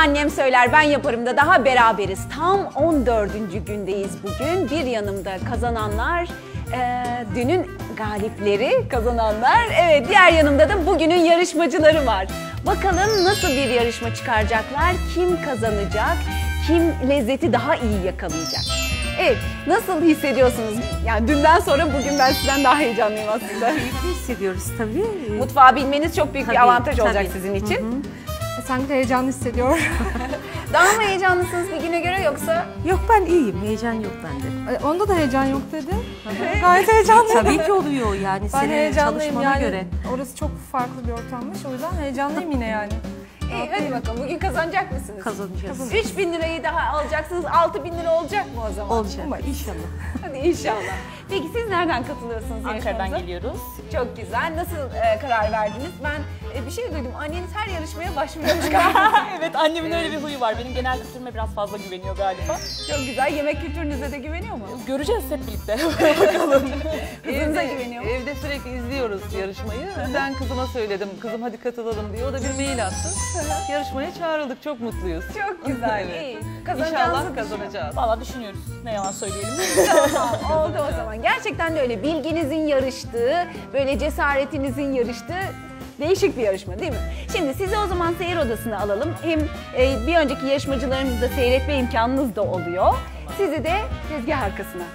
annem söyler ben yaparım da daha beraberiz. Tam 14. gündeyiz bugün. Bir yanımda kazananlar, dünün galipleri kazananlar. Evet, diğer yanımda da bugünün yarışmacıları var. Bakalım nasıl bir yarışma çıkaracaklar, kim kazanacak, kim lezzeti daha iyi yakalayacak. Evet, nasıl hissediyorsunuz? Yani dünden sonra bugün ben sizden daha heyecanlıyım aslında. Keyifli hissediyoruz tabii. Mutfağı bilmeniz çok büyük bir avantaj olacak sizin için. Hı hı. Sanki de heyecanlı hissediyorum. Daha mı heyecanlısınız bir güne göre yoksa? Yok, ben iyiyim, heyecan yok bende. Onda da heyecan yok dedi. Gayet heyecanlıyım. Tabii ki oluyor yani Ben senin heyecanlıyım çalışmana yani. göre. Orası çok farklı bir ortammış. O yüzden heyecanlıyım yine yani. İyi, hadi bakalım bugün kazanacak mısınız? Kazanacağız. 3.000 lirayı daha alacaksınız, 6.000 lira olacak mı o zaman? Olacak inşallah. Hadi inşallah. Peki siz nereden katılıyorsunuz Ankara'dan yarışmamıza? geliyoruz. Çok güzel. Nasıl karar verdiniz? Ben bir şey duydum. Anneniz her yarışmaya başvuruyormuş galiba. Evet, annemin öyle bir huyu var. Benim genel kültürüme biraz fazla güveniyor galiba. Çok güzel. Yemek kültürünüze de güveniyor mu? Göreceğiz hep birlikte. Bakalım. Kızınıza güveniyor mu? Evde sürekli izliyoruz yarışmayı. Ben kızıma söyledim, kızım hadi katılalım diye. O da bir mail attı. Yarışmaya çağrıldık, çok mutluyuz. Çok güzel. Evet. İyi. İnşallah kazanacağız. Valla düşünüyoruz. Ne yalan söyleyelim. Tamam, oldu o zaman. Gerçekten de öyle. Bilginizin yarıştığı, böyle cesaretinizin yarıştığı değişik bir yarışma değil mi? Şimdi sizi o zaman seyir odasına alalım. Hem bir önceki yarışmacılarımızı da seyretme imkanınız da oluyor. Sizi de tezgah arkasına.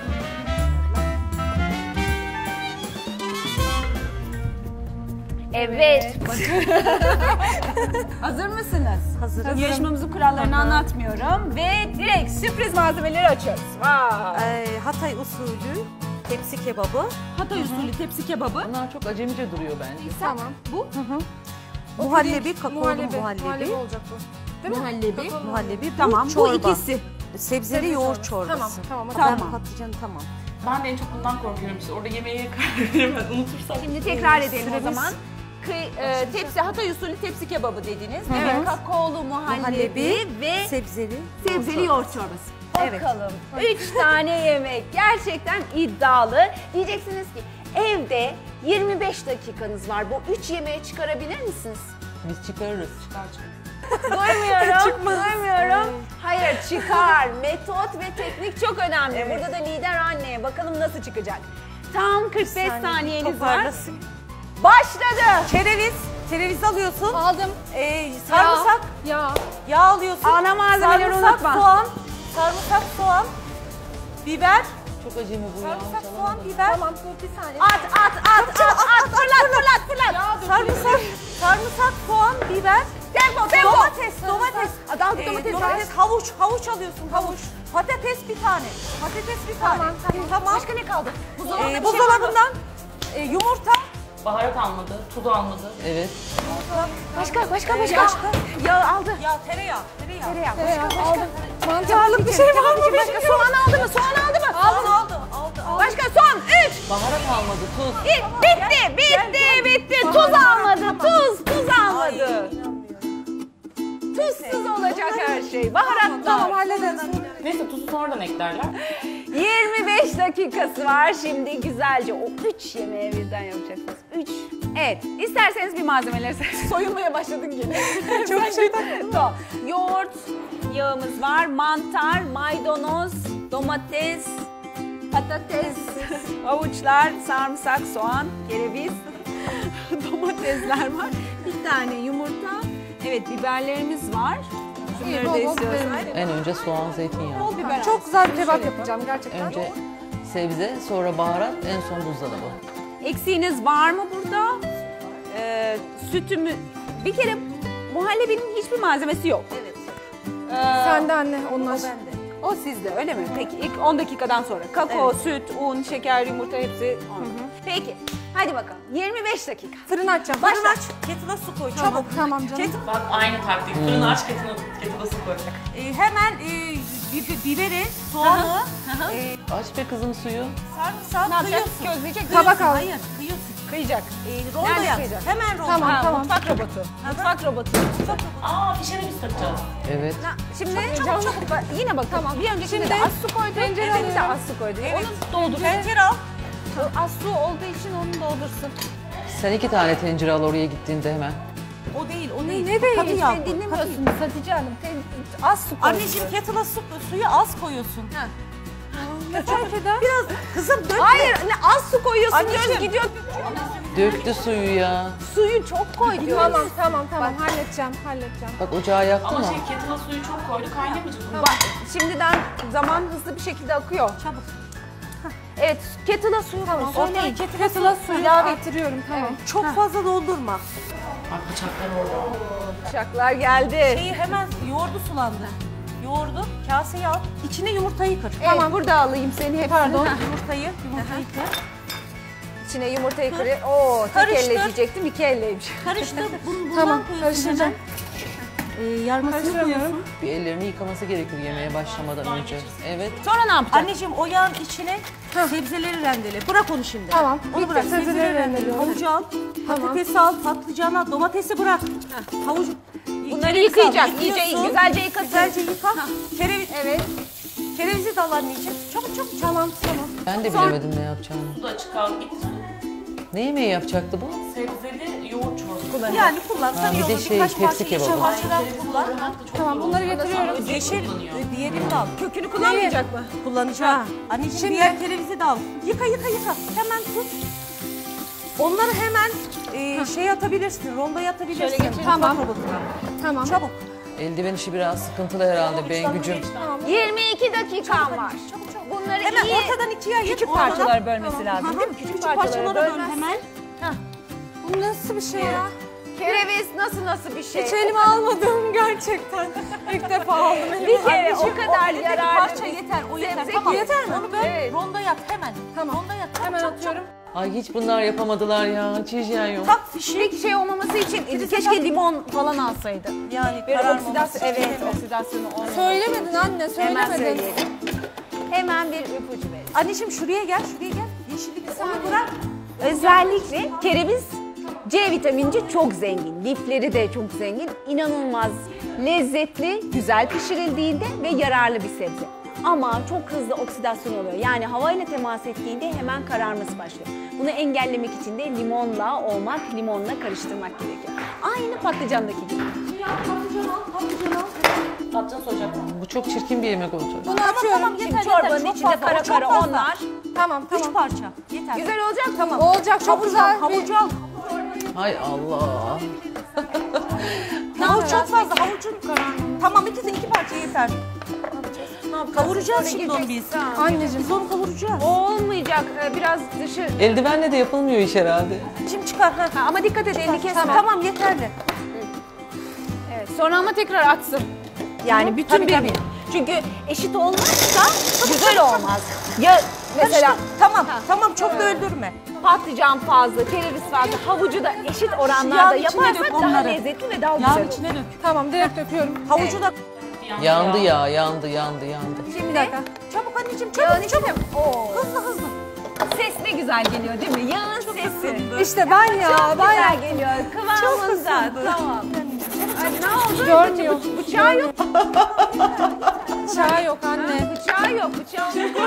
Evet. Hazır mısınız? Hazırım. Yarışmamızın kurallarını anlatmıyorum ve direkt sürpriz malzemeleri açıyoruz. Vay. Hatay usulü tepsi kebabı. Hatay usulü tepsi kebabı. Bunlar çok acemice duruyor bence. Tamam. Bu? Muhallebi, kakaolu muhallebi. Muhallebi olacak bu. Değil mi? Muhallebi. Muhallebi. Tamam, bu çorba. ikisi. Sebzeli yoğurt çorbası. Tamam. Ben patlıcanı tamam. Ben de en çok bundan korkuyorum işte. Orada yemeğe karar veremez, unutursam. Şimdi tekrar edelim o Süremiz- zaman. Tepsi, Hatay usulü tepsi kebabı dediniz. Hı hı. Evet, kakaolu muhallebi ve sebzeli yoğurt çorbası. Evet. Bakalım. 3 tane yemek. Gerçekten iddialı. Diyeceksiniz ki evde 25 dakikanız var. Bu 3 yemeği çıkarabilir misiniz? Biz çıkarırız. Duymuyorum. Hayır, çıkar. Metot ve teknik çok önemli. Burada da lider anneye. Bakalım nasıl çıkacak. Tam 45 saniyeniz var. Başladı. Kereviz alıyorsun. Aldım. Sarımsak. Yağ alıyorsun. Ana malzemeleri sarımsak, unutma. soğan, biber. Çok acemi bu ya. Sarımsak, soğan, biber. Tamam, dur bir saniye. At. Sarımsak, soğan, biber. Tempo. Domates. Domates. Havuç alıyorsun, havuç. Patates bir tane. Tamam. Başka ne kaldı? Buzdolabından yumurta. Baharat almadı, tuzu almadı. Evet. Başka. Yağ aldı. Ya tereyağı. Aldı. Mantarlık bir şey var mı? Başka soğan aldı mı? Aldı. Başka son 3. Baharat almadı, tuz. Bitti. Tuz almadı. Tuz almadı. Tuzsuz olacak her şey. Baharatlar. Tamam, hallederiz. Neyse tuzu sonradan eklerler. 25 dakikası var. Şimdi güzelce o 3 yemeği birden yapacaksınız. 3. Evet. İsterseniz bir malzemeleri soyulmaya başladın gene. Çok şey tamam. Yoğurt yağımız var. Mantar, maydanoz, domates, patates, havuçlar, sarımsak, soğan, kereviz, domatesler var. Bir tane yumurta. Evet, biberlerimiz var. Şunları da bol istiyorsan. En önce soğan, zeytinyağı. Bol biber. Çok güzel bir kebap yapacağım gerçekten. Önce sebze, sonra baharat, en son buzdolabı. Eksiğiniz var mı burada? Sütümü... Bir kere muhallebinin hiçbir malzemesi yok. Evet. Sen de anne, onlar. O sizde öyle mi? Peki ilk 10 dakikadan sonra. Kakao, süt, un, şeker, yumurta hepsi on. Peki. Hadi bakalım. 25 dakika. Fırını açacağım. Fırın aç, kettle'a su koy çabuk. Tamam canım. Bak aynı taktik. Fırını aç, kettle'a su koy. Hemen biberi, soğanı, Aç be kızım suyu. sarımsağı kıyıyorsun. Közleyecek. Tabak al. Hayır, kıyıyorsun. Kıyacak. Rolda Nerede yap. kıyacak? Hemen rolda. Tamam. Mutfak robotu. Mutfak robotu. Fişene biz takacağız. Evet. Şimdi çabuk. Yine bak tamam. Bir öncekinde de az su koydu. tencere Şimdi de alıyorum. az su koydu. Evet. Onu doldur. Tencere al. Az su olduğu için onu doldursun. Sen 2 tane tencere al oraya gittiğinde hemen. O değil, o değil. değil. ne değil? Katı yağ. Sen dinlemiyorsunuz Hatice Hanım. Az su koy. Anneciğim kettle'a suyu az koyuyorsun. Ne fark eder? Biraz kızım dök. Hayır ne az su koyuyorsun Anneciğim. diyoruz gidiyor. Döktü suyu ya. Suyu çok koy diyoruz. Tamam halledeceğim. Bak ocağı yaktı Ama mı? kettle'a suyu çok koydu kaynamayacak mı? Bak şimdiden zaman hızlı bir şekilde akıyor. Çabuk. Evet kettle'a suyu Tamam. koy. Ortaya Kettle'a kettle'a suyu ilave et. arttırıyorum. Tamam. Çok fazla doldurma. Bak bıçaklar orada. Bıçaklar geldi. Şeyi hemen yoğurdu sulandı. Yoğurdu, kaseye al. İçine yumurtayı kır. Tamam burada alayım seni hepsini. Pardon. Heh. Yumurtayı kır. İçine yumurtayı kır. Oo tek Karıştır. elle diyecektim 2 elleymiş. Karıştır. Bundan Tamam, koyuyorsun karıştıracağım. hemen. Yarmasını koyuyorsun. Bir ellerini yıkaması gerekir yemeğe başlamadan önce. Evet. Sonra ne yapacaksın? Anneciğim o yağın içine sebzeleri rendele. Bırak onu şimdi. Tamam, Onu bitti. bırak. Sebzeleri rendeliyorum. Havucu al. Tamam. Patatesi al. Patlıcanı al. Domatesi bırak. Havucu. Bunları Kereviz al, yıkayacak. İyice yıkıyorsun. güzelce yıkasın. Güzelce yıka. Kereviz. Evet. Kerevizi de al anneciğim. Çabuk çabuk. Tamam. Ben de bilemedim ne yapacağımı. Su da açık al git. Ne yemeği yapacaktı bu? Sebzeli yoğurt çorbası. Yani kullan. Ha, Tabii bir de olur. şey, Birkaç tepsi parça kebabı. yeşil parçadan kullan. Tamam bunları getiriyorum. Yeşil diğerini de al. Kökünü kullanmayacak mı? Kullanacağım. Anneciğim Şimdi- diğer kerevizi de al. Yıka. Hemen tut. Onları hemen şey atabilirsin. Rondoya atabilirsin. Şöyle geçelim. Tamam. Mutfak robotuna. Tamam. Çabuk. Eldiven işi biraz sıkıntılı herhalde Bengücüm. 22 dakikan var. Bunları Hemen iyi ortadan ikiye ayır. küçük ortadan. parçalara bölmesi lazım değil mi? Küçük parçalara böl hemen. Bu nasıl bir şey ya? Kereviz nasıl bir şey? Hiç elime almadım gerçekten. İlk defa aldım elime. Bir kere o Anneciğim, kadar ortadaki yararlı parça bir yeter. O yeter. sebze Tamam. ki. Yeter mi? Onu böl. Evet. Rondoya at hemen. Tamam. Rondoya at. Hemen atıyorum. Ay hiç bunlar yapamadılar ya. Hiç hijyen yok. Tak fişi. Peki şey olmaması için keşke limon falan alsaydı. Yani Bir kararmaması oksidasyon, için. evet oksidasyonu olmaması. Söylemedin anne, Hemen söylemedin. söyleyelim. Hemen bir ipucu verin. Anneciğim şuraya gel. Yeşillik onu bırak. Özellikle kereviz C vitaminci çok zengin. Lifleri de çok zengin. İnanılmaz lezzetli, güzel pişirildiğinde ve yararlı bir sebze. Ama çok hızlı oksidasyon oluyor. Yani havayla temas ettiğinde hemen kararması başlıyor. Bunu engellemek için de limonla karıştırmak gerekiyor. Aynı patlıcandaki gibi. Patlıcan soracak mı? Bu çok çirkin bir yemek olacak. Bunu atıyorum. Şimdi çorbanın içinde kara kara onlar. Tamam, Üç tamam. parça. Yeter. Güzel olacak mı? Olacak, çok güzel. Havucu al. Hay Allah. Havuç çok fazla. Havucun Tamam iki parça yeter. Kavuracağız şimdi onu biz. Anneciğim. Biz onu kavuracağız. Olmayacak. Biraz dışı. Eldivenle de yapılmıyor iş herhalde. Şimdi çıkar. Ha. Ha, ama dikkat et elini kesme. Tamam yeterli. Evet, sonra ama tekrar atsın. Yani bütün Tabii, bir. tabii. Çünkü eşit olmazsa güzel olmaz. Ya mesela Tamam çok da öldürme. patlıcan fazla, kereviz fazla, havucu da eşit oranlarda Yağın içine yaparsak dök daha onları. lezzetli ve daha güzel Yağın olur. içine dök. Tamam, direkt döküyorum. Havucu da Yandı ya, yandı. Şimdi çabuk anneciğim yağın çabuk. içine. Oo. Hızlı. Ses ne güzel geliyor değil mi? Yağın sesi. İşte ben ya, Çok ben güzel geliyor. Kıvamında. Tamam. Ay, ne oldu? Görmüyor. Bıçağı yok. Çay yok anne. Bıçağı yok. Bıçağı yok.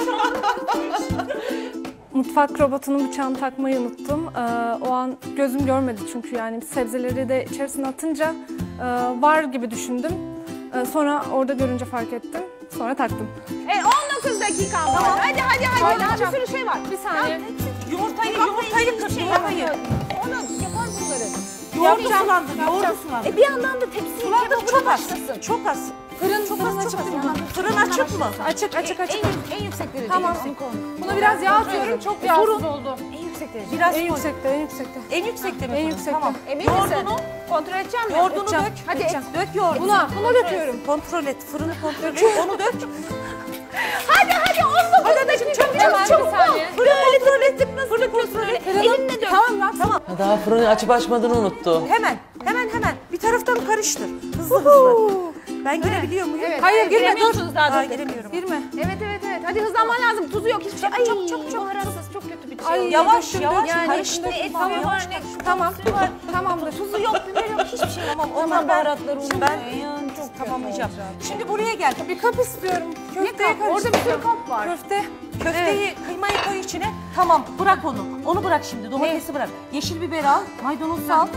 Mutfak robotunun bıçağını takmayı unuttum. O an gözüm görmedi çünkü yani sebzeleri de içerisine atınca var gibi düşündüm. Sonra orada görünce fark ettim. Sonra taktım. 19 dakika var. Hadi. Daha bir sürü şey var. Bir saniye. Yumurtayı kır. Yumurtayı. Onu yapar bunları. Yoğurdu sulandır. Yoğurdu sulandır. Bir yandan da tepsiyi Çok az. Çok az. Fırın açık değil mi? Fırın açık mı? Açık. En yüksek derecede. Tamam. Buna biraz yağ atıyorum. Çok yağsız oldu. En yüksek derecede. Biraz En koy. yüksekte, en yüksekte. En yüksekte mi? En fırın? yüksekte. Tamam. Emin misin? Yoğurdunu, Kontrol edeceğim mi? yoğurdunu Edeceğim. dök. Hadi Edeceğim. Dök yoğurdunu. Buna döküyorum. Kontrol et. Fırını kontrol et. Onu dök. Hadi 19 dakika. Hemen bir saniye. Fırını kontrol ettik. Nasıl yapıyorsun öyle? Elinle dök. Tamam. Daha fırını açıp açmadığını unuttu. Hemen. Bir taraftan karıştır. Hızlı. Ben girebiliyor muyum? Evet. Hayır, girme, giremiyorsunuz daha Daha dur. giremiyorum. Girme. Evet. Hadi hızlanman lazım. Tuzu yok. Hiçbir şey. Ay, çok. baharatsız. Çok kötü bir şey. Ay, Yavaş döktüm, yavaş döktüm. karıştır. Ne et Tamam. var ne Tamam. Tamamdır. tuzu yok, biber yok, hiçbir şey yok. Onlar baharatları Şimdi ben tamamlayacağım. Şimdi buraya gel. Bir kap istiyorum. Köfteye kap? Orada bir sürü kap var. Köfte. Köfteyi, kıymayı koy içine. Tamam, bırak onu. Onu bırak şimdi. Domatesi bırak. Yeşil biber al, maydanoz al.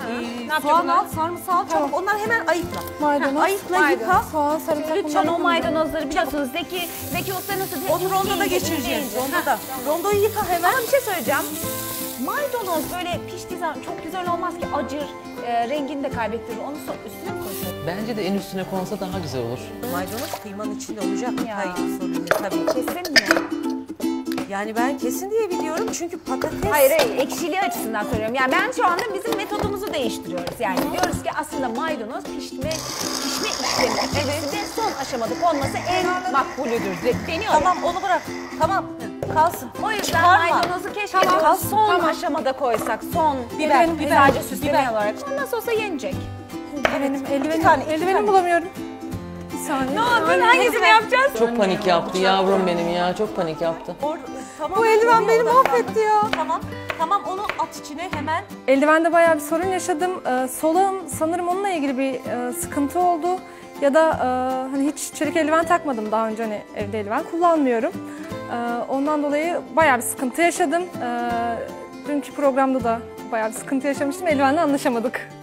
soğan al, sarımsağı al, çabuk onları hemen ayıkla. Maydanoz, Ayıkla, yıka. soğan, sarımsak. Lütfen bunları o maydanozları biliyorsunuz. Zeki Usta nasıl diyor? Onu rondoda geçireceğiz. Rondoda. Rondoyu yıka hemen. Ama bir şey söyleyeceğim. Maydanoz böyle piştiği zaman çok güzel olmaz ki, acır, rengini de kaybettirir. Onu üstüne mi koysak? Bence de en üstüne konsa daha güzel olur. Maydanoz kıymanın içinde olacak. Ya. Hayır, sorun tabii. Kesin mi? Yani ben kesin diye biliyorum çünkü patates... Hayır, ekşiliği açısından söylüyorum. Yani ben şu anda bizim metodumuzu değiştiriyoruz. Yani diyoruz ki aslında maydanoz pişme işlemi içerisinde son aşamada konması en makbulüdür. Deniyorum. Tamam, onu bırak. Tamam, kalsın. O yüzden Çıkarma. maydanozu keşke Tamam, diyoruz son tamam. aşamada koysak. Son Biber, sadece süsleme biber. olarak. Nasıl olsa yenecek. Eldivenim, tane, eldivenim bulamıyorum. Bir saniye. Ne yapın? Hangisini yapacağız? Çok panik yaptı yavrum benim ya. Çok panik yaptı. Tamam, Bu eldiven beni oradan mahvetti ya. Tamam, onu at içine hemen. Eldivende bayağı bir sorun yaşadım. Solağım sanırım onunla ilgili bir sıkıntı oldu. Ya da hani hiç çelik eldiven takmadım daha önce, hani evde eldiven kullanmıyorum. Ondan dolayı bayağı bir sıkıntı yaşadım. Dünkü programda da bayağı bir sıkıntı yaşamıştım. Eldivenle anlaşamadık.